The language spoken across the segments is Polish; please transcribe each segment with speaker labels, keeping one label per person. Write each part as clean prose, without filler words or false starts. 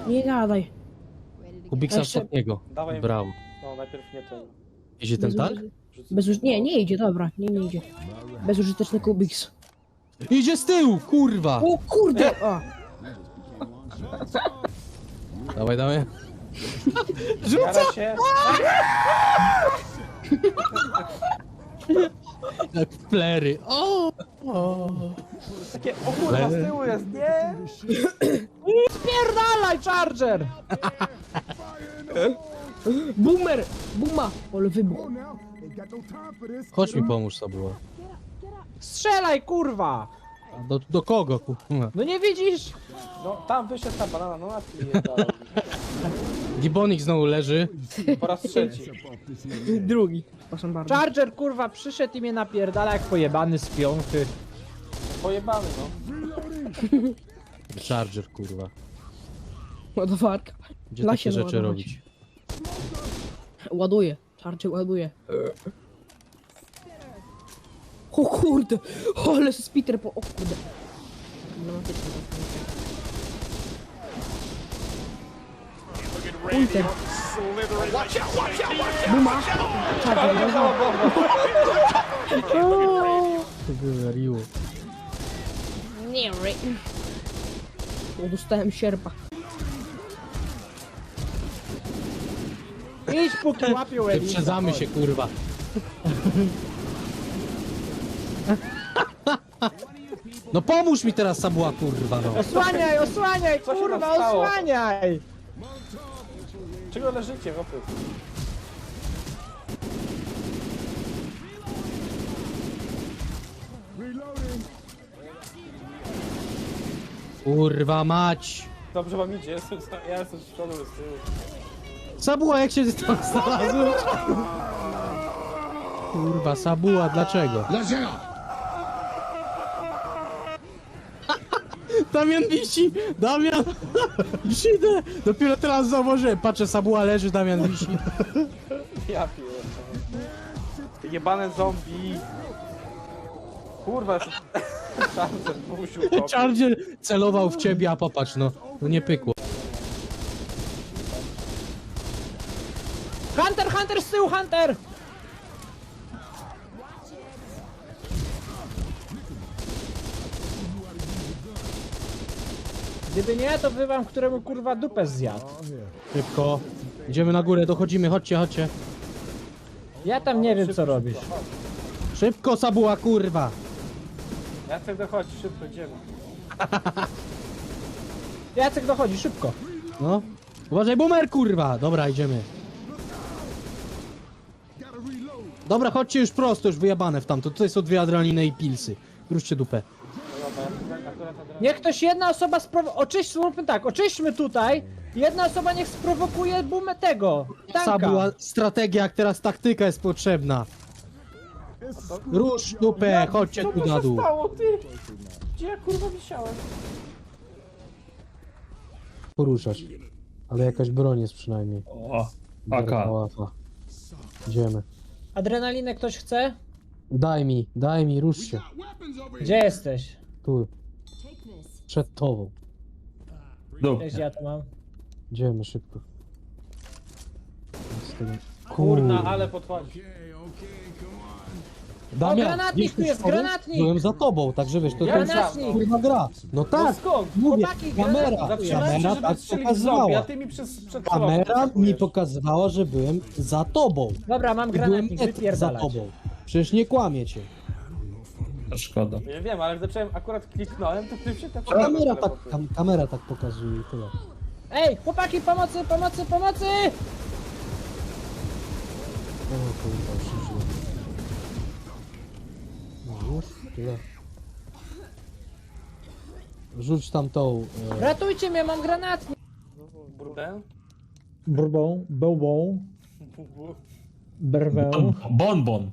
Speaker 1: Nie gadaj.
Speaker 2: Kubiksa
Speaker 1: Jeszcze-
Speaker 2: ostatniego.
Speaker 3: Dawaj.
Speaker 2: Brawo.
Speaker 3: No najpierw nie ten.
Speaker 2: Idzie ten tank?
Speaker 1: Nie idzie, dobra, nie idzie. Bezużyteczny Kubiks.
Speaker 2: Idzie z tyłu, kurwa!
Speaker 1: O kurde! O,
Speaker 2: Dawaj, dawaj.
Speaker 3: Jara się.
Speaker 2: Jak flery. O!
Speaker 3: Takie, o kurwa, z tyłu jest, nie?
Speaker 1: spierdalaj, Charger! Boomer! Buma! Ale wybuch.
Speaker 2: Chodź mi pomóż, Sabuła.
Speaker 1: Strzelaj, kurwa!
Speaker 2: Do kogo, kurwa?
Speaker 1: No nie widzisz?
Speaker 3: No tam wyszedł ta banana, no na tym nie dał.
Speaker 2: Gibonik znowu leży.
Speaker 3: Po raz trzeci.
Speaker 1: Drugi. Proszę bardzo.
Speaker 4: Charger kurwa przyszedł i mnie napierdala jak pojebany z piąchy.
Speaker 3: Pojebany, no.
Speaker 2: Charger, kurwa.
Speaker 1: Ładowarka.
Speaker 2: Gdzie
Speaker 1: Da
Speaker 2: takie
Speaker 1: się
Speaker 2: rzeczy
Speaker 1: załadować.
Speaker 2: robić?
Speaker 1: Ładuje. Charger ładuje. O kurde! Ale spiter po... O kurde. Dramatyczne to. Ulter. Buma! Charger,
Speaker 2: To wywaliło.
Speaker 1: nie ry. O, dostałem sierpa.
Speaker 4: Idź póki łapią Elisa.
Speaker 2: Wyprzedzamy się, kurwa. No pomóż mi teraz, Sabuła, kurwa, no.
Speaker 4: Osłaniaj, osłaniaj,
Speaker 3: Co się
Speaker 4: kurwa,
Speaker 3: tam stało?
Speaker 4: osłaniaj!
Speaker 3: Czego leżycie, chłopy?
Speaker 2: Kurwa mać.
Speaker 3: Dobrze wam idzie, ja jestem z przodu, z tyłu.
Speaker 2: Sabuła, jak się tam znalazłeś? Kurwa, Sabuła, dlaczego? Dlaczego? Damian wisi! Damian! Idę! Dopiero teraz zauważyłem. Patrzę, Sabuła leży, Damian wisi.
Speaker 3: Ja pierdolę. Jebane zombie. Kurwa, jest... Charger musił to.
Speaker 2: Charger celował w ciebie, a popatrz, no. No nie pykło.
Speaker 4: Hunter, Hunter, z tyłu, Hunter! Gdyby nie, to by wam któremu kurwa dupę zjadł.
Speaker 2: Szybko. Idziemy na górę, dochodzimy, chodźcie, chodźcie.
Speaker 4: Ja tam nie wiem co robisz.
Speaker 2: Szybko, Sabuła, kurwa.
Speaker 3: Jacek dochodzi, szybko idziemy.
Speaker 4: Jacek dochodzi, szybko.
Speaker 2: No. Uważaj, boomer, kurwa. Dobra, idziemy. Dobra, chodźcie już prosto, już wyjebane w tamto. Tutaj są dwie adrenaliny i pilsy. Wróćcie dupę.
Speaker 4: Niech ktoś, jedna osoba zróbmy tak, oczyśćmy tutaj. Jedna osoba niech sprowokuje bumę tego, tanka.
Speaker 2: Sabuła, strategia, jak teraz taktyka jest potrzebna. Rusz dupę, chodźcie
Speaker 3: Co
Speaker 2: tu
Speaker 3: to
Speaker 2: na
Speaker 3: się
Speaker 2: dół.
Speaker 3: stało, ty? Gdzie ja kurwa wisiałem?
Speaker 2: Poruszać. Ale jakaś broń jest przynajmniej.
Speaker 5: O,
Speaker 2: Taka
Speaker 5: AK.
Speaker 2: łatwa. Idziemy.
Speaker 4: Adrenalinę ktoś chce?
Speaker 2: Daj mi, rusz się.
Speaker 4: Gdzie jesteś?
Speaker 2: Tu. Przed tobą.
Speaker 5: Dup.
Speaker 4: Cześć, ja tu mam.
Speaker 2: Idziemy szybko. Z tym-
Speaker 3: Kurna, ale podchodzi.
Speaker 2: Damian,
Speaker 4: O, granatnik
Speaker 2: wiesz,
Speaker 4: tu jest,
Speaker 2: powiem?
Speaker 4: granatnik!
Speaker 2: Byłem za tobą, także wiesz, to
Speaker 4: Granatnik!
Speaker 2: kurwa gra. No tak,
Speaker 3: skąd?
Speaker 2: mówię,
Speaker 4: Chłopaki,
Speaker 2: kamera,
Speaker 3: Zatrzymałem się,
Speaker 2: kamera
Speaker 3: żeby
Speaker 2: tak
Speaker 3: strzelić w zombie, a
Speaker 2: pokazywała.
Speaker 3: ty mi przed
Speaker 2: Kamera
Speaker 3: celową
Speaker 2: mi
Speaker 3: atakujesz.
Speaker 2: pokazywała, że byłem za tobą.
Speaker 4: Dobra, mam
Speaker 2: I byłem
Speaker 4: granatnik,
Speaker 2: za
Speaker 4: wypierdalać.
Speaker 2: tobą. Przecież nie kłamiecie.
Speaker 5: Szkoda.
Speaker 3: Ja wiem, ale jak zacząłem, akurat kliknąłem, to ty się tak
Speaker 2: Kamera tak pokazuje i tyle.
Speaker 4: Ej, chłopaki, pomocy, pomocy, pomocy!
Speaker 2: O kurwa, już się żyje. No już, tyle. Rzuć tam tą...
Speaker 4: Ratujcie mnie, mam granatnik!
Speaker 3: Burdę?
Speaker 4: Burbą, bełbą, brwę.
Speaker 5: Bonbon.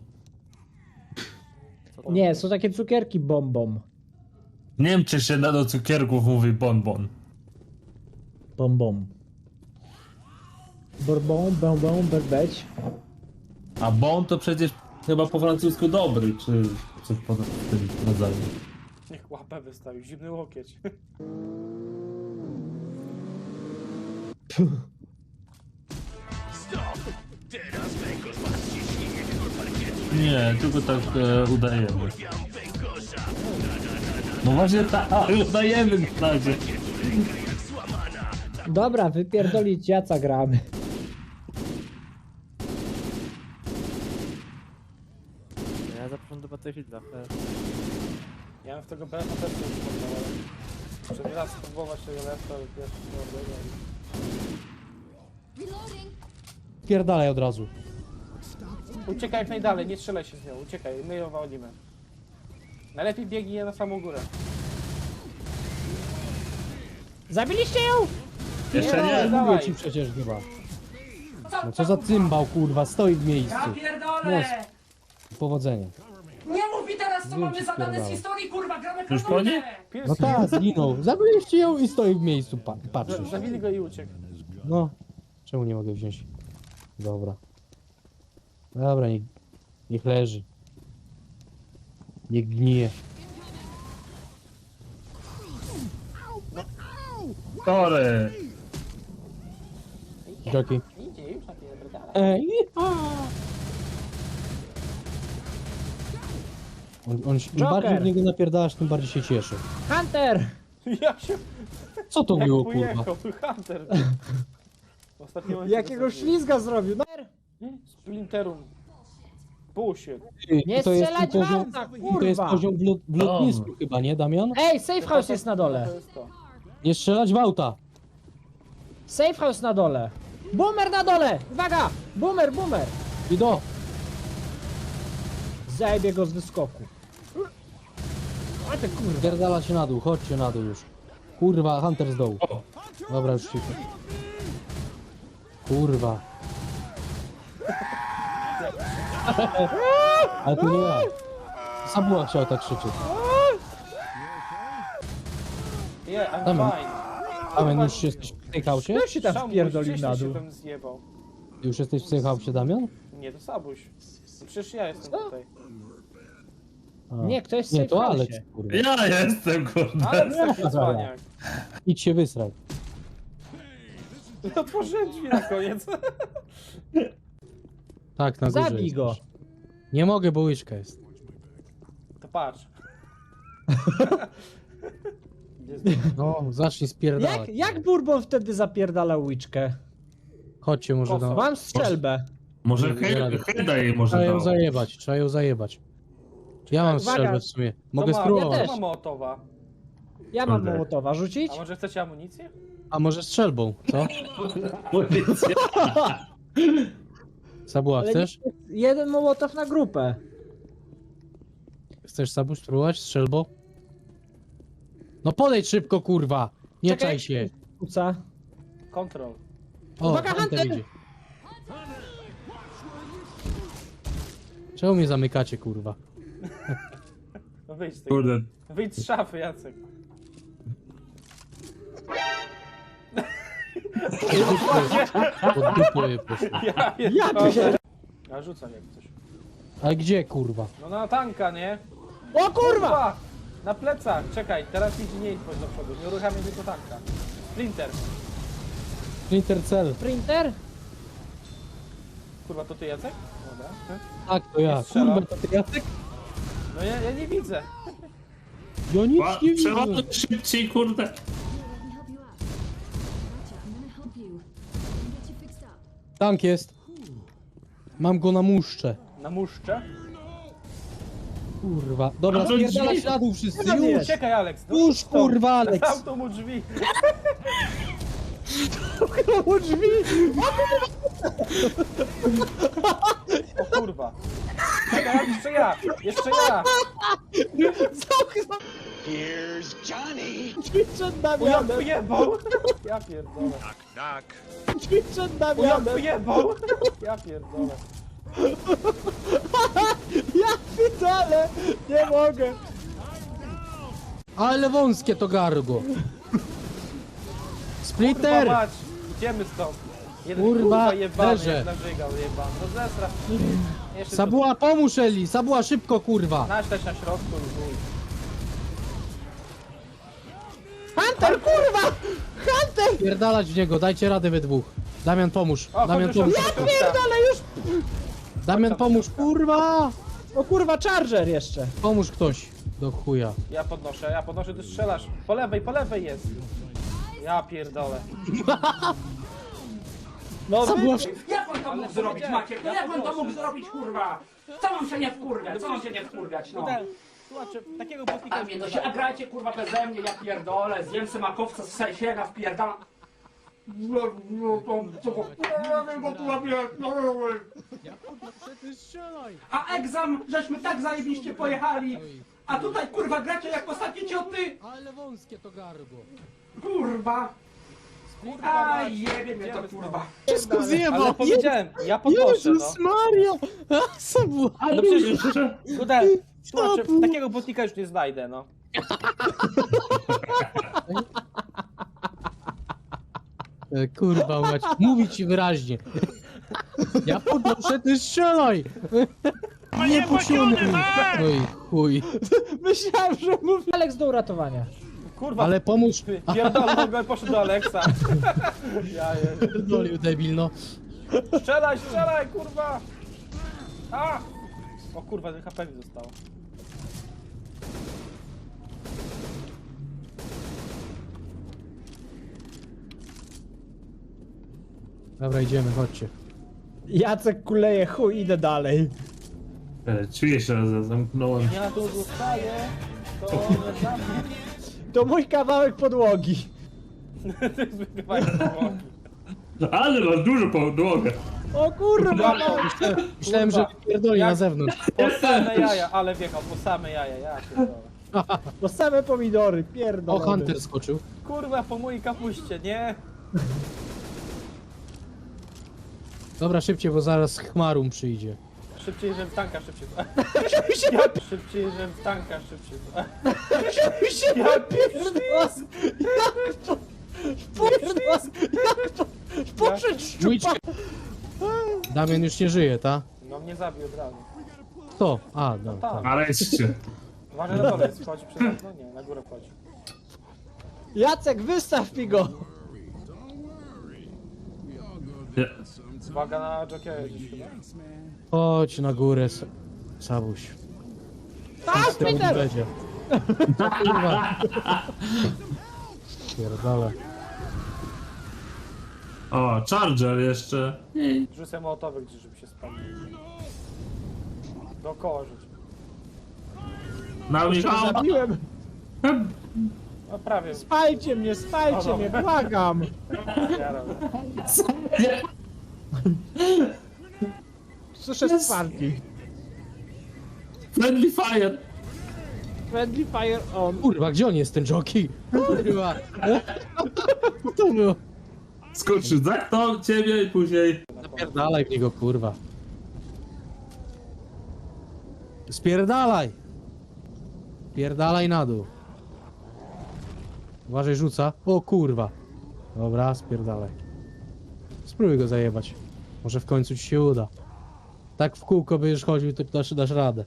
Speaker 4: Nie, są takie cukierki bombom.
Speaker 5: W Niemczech się do cukierków mówi bonbon.
Speaker 4: Bombom. Burbą, bębą, berbeć.
Speaker 5: A bon to przecież chyba po francusku dobry, czy coś po tym rodzaju.
Speaker 3: Niech łapę wystawił, zimny łokieć.
Speaker 5: Nie, tylko tak udajemy. No właśnie tak, udajemy w razie.
Speaker 4: Dobra, wypierdolić jaca gramy.
Speaker 3: Ja zapraszam do Battlefielda.
Speaker 6: Ja bym w tego BF-a też nie wyglądał, ale... Muszę raz spróbować tego BF-a, ale pierwszy
Speaker 2: Pierdalaj od razu.
Speaker 6: Uciekaj jak najdalej, nie strzelaj się z nią, uciekaj, my ją walimy. Najlepiej biegnij na samą górę.
Speaker 4: Zabiliście ją?
Speaker 5: Jeszcze
Speaker 6: Nie,
Speaker 5: nie.
Speaker 2: Mówię
Speaker 6: dawaj.
Speaker 2: ci przecież chyba. No co za cymbał, kurwa, stoi w miejscu.
Speaker 7: Ja pierdolę!
Speaker 2: Powodzenia.
Speaker 7: Nie mów mi teraz, co
Speaker 2: Wiem,
Speaker 7: mamy
Speaker 2: ci
Speaker 7: zadane z
Speaker 2: spierdalaj.
Speaker 7: historii, kurwa, gramy
Speaker 5: Już po nie?
Speaker 2: No tak, zginął. Zabiliście ją i stoi w miejscu, patrzy się.
Speaker 6: Zawili go i uciekł.
Speaker 2: No. Czemu nie mogę wziąć? Dobra. Dobra, niech leży. Niech gnije.
Speaker 5: Sorry.
Speaker 2: Joki.
Speaker 6: Idzie już na pierdala.
Speaker 2: Im
Speaker 4: Joker.
Speaker 2: bardziej w niego napierdalasz, tym bardziej się cieszy.
Speaker 4: Hunter!
Speaker 6: Ja się...
Speaker 2: Co to
Speaker 6: Jak
Speaker 2: było, kurwa?
Speaker 6: pojechał, Hunter. W ostatnim momencie
Speaker 4: Jakiego
Speaker 6: to
Speaker 4: ślizga zrobił? No,
Speaker 6: zrobił. Splinterum. Bullshit.
Speaker 4: nie
Speaker 2: To jest
Speaker 4: strzelać
Speaker 2: ten poziom,
Speaker 4: wam,
Speaker 2: to jest
Speaker 4: kurwa!
Speaker 2: poziom w lotnisku chyba, nie Damian?
Speaker 4: Ej, safe house jest na dole.
Speaker 6: To jest to.
Speaker 2: Nie strzelać w auta!
Speaker 4: Safe house na dole. Boomer na dole! Uwaga! Boomer, boomer!
Speaker 2: I do!
Speaker 4: Zajebie go z wyskoku. A ty kurwa.
Speaker 2: Pierdala się na dół, chodźcie na dół już. Kurwa, Hunter z dołu. Dobra, już cicho. Kurwa. Ale to nie ja. Sabuła chciał tak krzyczeć.
Speaker 6: Yeah, I'm
Speaker 2: Damy.
Speaker 6: fine.
Speaker 2: Damian, już jesteś w tej hausie?
Speaker 4: Kto się tam
Speaker 6: Szamuś,
Speaker 4: wpierdolił
Speaker 6: gdzieś
Speaker 4: na
Speaker 6: się
Speaker 4: dół?
Speaker 6: tam zjebał.
Speaker 2: Już jesteś w tej hausie, Damian?
Speaker 6: Nie, to Sabuś. No przecież ja jestem tutaj.
Speaker 2: A.
Speaker 4: Nie, ktoś jest w
Speaker 2: Nie,
Speaker 4: safe
Speaker 2: to
Speaker 4: house.
Speaker 2: Alex, kurwa.
Speaker 5: Ja jestem, kurde.
Speaker 6: Ale taki cwaniak.
Speaker 2: Idź się wysraj.
Speaker 6: Otworzyłem drzwi na koniec.
Speaker 2: Tak, na górze
Speaker 4: Zabij go.
Speaker 2: jesteś. Nie mogę, bo łyczka jest.
Speaker 6: To patrz. Gdzie jest...
Speaker 2: No, zacznij spierdalać.
Speaker 4: Jak Bourbon wtedy zapierdalał łyczkę?
Speaker 2: Chodźcie może
Speaker 6: Koso.
Speaker 2: do...
Speaker 4: Mam strzelbę.
Speaker 5: Może Heda jej może
Speaker 2: Trzeba ją
Speaker 5: dał.
Speaker 2: zajebać, trzeba ją zajebać. Ja mam
Speaker 4: Uwaga.
Speaker 2: strzelbę w sumie. Mogę
Speaker 6: To ma-
Speaker 2: spróbować.
Speaker 4: Ja
Speaker 6: To ma Mołotowa.
Speaker 4: Ja mam
Speaker 5: Kurde.
Speaker 4: Mołotowa. Rzucić?
Speaker 6: A może chcecie amunicję?
Speaker 2: A może strzelbą, co?
Speaker 5: Policja.
Speaker 2: Sabuła,
Speaker 4: Ale
Speaker 2: chcesz?
Speaker 4: jeden Mołotow na grupę.
Speaker 2: Chcesz Sabu spróbować strzelbą? No podejdź szybko, kurwa! Nie
Speaker 4: Czekaj.
Speaker 2: czaj się!
Speaker 4: Kuca.
Speaker 6: Kontrol.
Speaker 2: O,
Speaker 4: Uwaga, Hunter!
Speaker 2: idzie. Czemu mnie zamykacie, kurwa?
Speaker 6: No wyjdź z tego.
Speaker 5: Kurde.
Speaker 6: Wyjdź z szafy, Jacek.
Speaker 2: Pod dupę je poszło.
Speaker 6: Ja pierdolę. Ja rzucam jak coś.
Speaker 2: Ale gdzie, kurwa?
Speaker 6: No na tanka, nie?
Speaker 4: O kurwa!
Speaker 6: Na plecach, czekaj, teraz idź nie idź do przodu, nie uruchamiaj tylko tanka. Splinter.
Speaker 2: Splinter cell.
Speaker 4: Printer?
Speaker 6: Kurwa, to ty Jacek? Dobra.
Speaker 2: Tak, to ja.
Speaker 6: Strzelam.
Speaker 2: Kurwa, to ty Jacek?
Speaker 6: No ja nie widzę.
Speaker 2: Ja nic nie widzę.
Speaker 5: Przeładuj szybciej, kurde.
Speaker 2: Tank jest. Mam go na muszcze.
Speaker 6: Na muszcze.
Speaker 2: Kurwa. Dobra,
Speaker 5: A to
Speaker 2: spierdalać
Speaker 5: drzwi.
Speaker 2: na dół wszyscy,
Speaker 4: No
Speaker 2: już!
Speaker 6: Uciekaj, Alex. No,
Speaker 2: Już, kurwa, Alex!
Speaker 6: Zamknął mu drzwi.
Speaker 4: O drzwi!
Speaker 6: O kurwa. Czekaj, jeszcze ja. Jeszcze ja.
Speaker 4: Drzwi przed
Speaker 6: Ujan
Speaker 4: Damianem!
Speaker 6: wyjebał. Ja pierdolę.
Speaker 4: Drzwi przed
Speaker 6: Ujan
Speaker 4: Damianem!
Speaker 6: wyjebał. Ja pierdolę.
Speaker 4: Ja pitole! Nie mogę!
Speaker 2: Ale wąskie to gargo.
Speaker 6: Kurwa
Speaker 2: Splitter!
Speaker 6: mać. Idziemy stąd. Jeden
Speaker 2: Kurwa,
Speaker 6: jebany,
Speaker 2: leżę.
Speaker 6: jak nażygał jebany. No zesra. Jeszcze
Speaker 2: Sabuła, pomóż Eli! Sabuła, szybko, kurwa!
Speaker 6: naśleć na środku i chuj.
Speaker 4: Hunter, kurwa! Hunter!
Speaker 2: Pierdalać w niego, dajcie radę we dwóch. Damian, pomóż.
Speaker 6: O,
Speaker 2: Damian,
Speaker 6: chodź,
Speaker 2: pomóż.
Speaker 6: chodź, chodź,
Speaker 4: Pierdolę już!
Speaker 2: Damian, pomóż, kurwa!
Speaker 4: O kurwa, charger jeszcze.
Speaker 2: Pomóż ktoś. Do chuja.
Speaker 6: Ja podnoszę, ty strzelasz. Po lewej jest. Ja pierdolę.
Speaker 4: No wy...
Speaker 7: Jak on to mógł zrobić, Maciek? No jak on to mógł zrobić, kurwa? Co mam się nie wkurwiać? Co mam się nie wkurwiać, no?
Speaker 6: Słuchajcie, takiego botnika...
Speaker 7: A mnie to się agrajcie, kurwa, beze mnie, ja pierdolę. Zjem se makowca z sejsiega, wpierdalam. A egzam, żeśmy tak zajebiście pojechali. A tutaj, kurwa, gracie jak ostatnie cioty.
Speaker 2: Ale wąskie to gardło.
Speaker 7: Kurwa. Aj, jebie mnie to, kurwa.
Speaker 2: Wszystko
Speaker 6: Ale
Speaker 2: zjebał.
Speaker 6: powiedziałem, ja podnoszę, no.
Speaker 2: Jezus Maria! A, Sabu,
Speaker 6: No przecież, Gudel, słuchajcie, takiego botnika już nie znajdę, no.
Speaker 2: Kurwa mać, mówi ci wyraźnie. Ja podnoszę, ty strzelaj! Nie posiłkuj! No i chuj.
Speaker 4: Myślałem, że mówi Alex do uratowania.
Speaker 6: Kurwa,
Speaker 2: Ale pomóż.
Speaker 6: pierdolę, go poszedł do Aleksa. Ja je...
Speaker 2: Pierdolił debil, no.
Speaker 6: Strzelaj, kurwa! A! O kurwa, 1 HP mi zostało.
Speaker 2: Dobra, idziemy, chodźcie.
Speaker 4: Jacek kuleje, chuj, idę dalej.
Speaker 5: Czuję się, że zamknąłem.
Speaker 6: Ja tu zostaję, to nie za mnie.
Speaker 4: To mój kawałek podłogi.
Speaker 6: Zbygawaj podłogi.
Speaker 5: Ale masz dużo podłogę.
Speaker 4: O kurwa!
Speaker 2: Myślałem, że pierdoli na zewnątrz.
Speaker 6: Po same jaja, ale wjechał, po same jaja, ja pierdolę.
Speaker 4: To same pomidory,
Speaker 2: O,
Speaker 4: pierdolę.
Speaker 2: Hunter skoczył.
Speaker 6: Kurwa, po mojej kapuście, nie?
Speaker 2: Dobra, szybciej, bo zaraz Chmarum przyjdzie.
Speaker 6: Szybciej, że w tanka szybciej. Szybciej, że w tanka szybciej.
Speaker 4: Ja pierdolę! Jak to? Pierdolę! Jak to? Poszedł
Speaker 2: Dwójczkę. Damian już nie żyje, ta?
Speaker 6: No mnie zabił od razu.
Speaker 2: Kto? A, no,
Speaker 6: Tak.
Speaker 2: tak.
Speaker 5: Nareszcie.
Speaker 6: Uważaj na dole, wchodzi przez okno? Nie, na górę wchodzi.
Speaker 4: Jacek, wystaw mi go!
Speaker 5: Nie.
Speaker 6: Uwaga na jockey gdzieś chyba.
Speaker 2: Chodź na górę, Sabuś.
Speaker 4: A,
Speaker 2: Z tyłu nie
Speaker 4: Peter!
Speaker 2: będzie. Kurwa. Pierdolę.
Speaker 5: O, Charger jeszcze.
Speaker 6: Rzucę mołotowy gdzieś, żeby się spalił. Dookoła rzuć.
Speaker 5: Na Michała.
Speaker 4: Zabiłem!
Speaker 6: No prawie.
Speaker 4: Spajcie mnie, błagam!
Speaker 6: Ja robię.
Speaker 4: Słyszę sparki.
Speaker 5: Friendly Fire.
Speaker 4: Friendly fire on.
Speaker 2: Kurwa, gdzie on jest, ten jockey? Kurwa. Co to było?
Speaker 5: Skoczył za to ciebie i później.
Speaker 2: Spierdalaj w niego, kurwa. Spierdalaj! Spierdalaj na dół. Uważaj, rzuca. O kurwa. Dobra, spierdalaj. Spróbuj go zajebać. Może w końcu ci się uda. Tak w kółko będziesz chodził, to dasz radę.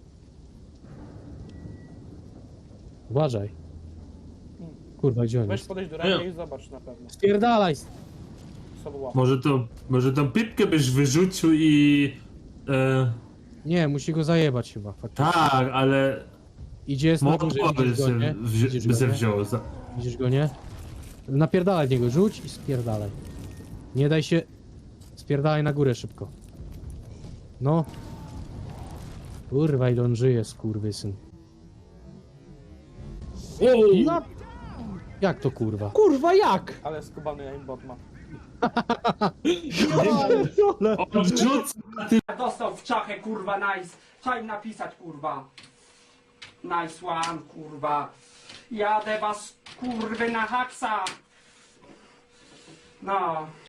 Speaker 2: Uważaj. Kurwa, gdzie on
Speaker 6: Weź
Speaker 2: jest?
Speaker 6: podejść do ręki i zobacz na pewno.
Speaker 2: Spierdalaj!
Speaker 6: Sobie łap.
Speaker 5: Może tą pipkę byś wyrzucił i...
Speaker 2: Nie, musi go zajebać chyba. Faktycznie.
Speaker 5: tak, ale...
Speaker 2: Idzie, jest na górze,
Speaker 5: Mołotowy
Speaker 2: widzisz go, nie?
Speaker 5: by se wziął.
Speaker 2: Widzisz go, nie? Napierdalaj w niego, rzuć i spierdalaj. Nie daj się... Spierdalaj na górę szybko. No. Kurwa, ile on żyje, skurwysyn.
Speaker 4: No,
Speaker 2: Jak to kurwa?
Speaker 4: kurwa, jak?
Speaker 6: Ale skubany aimbot ma.
Speaker 5: Odrzuc!
Speaker 7: Dostał w czachę, kurwa, nice. Trzeba im napisać, kurwa. Nice one, kurwa. Jadę was, kurwy, na haksa. No.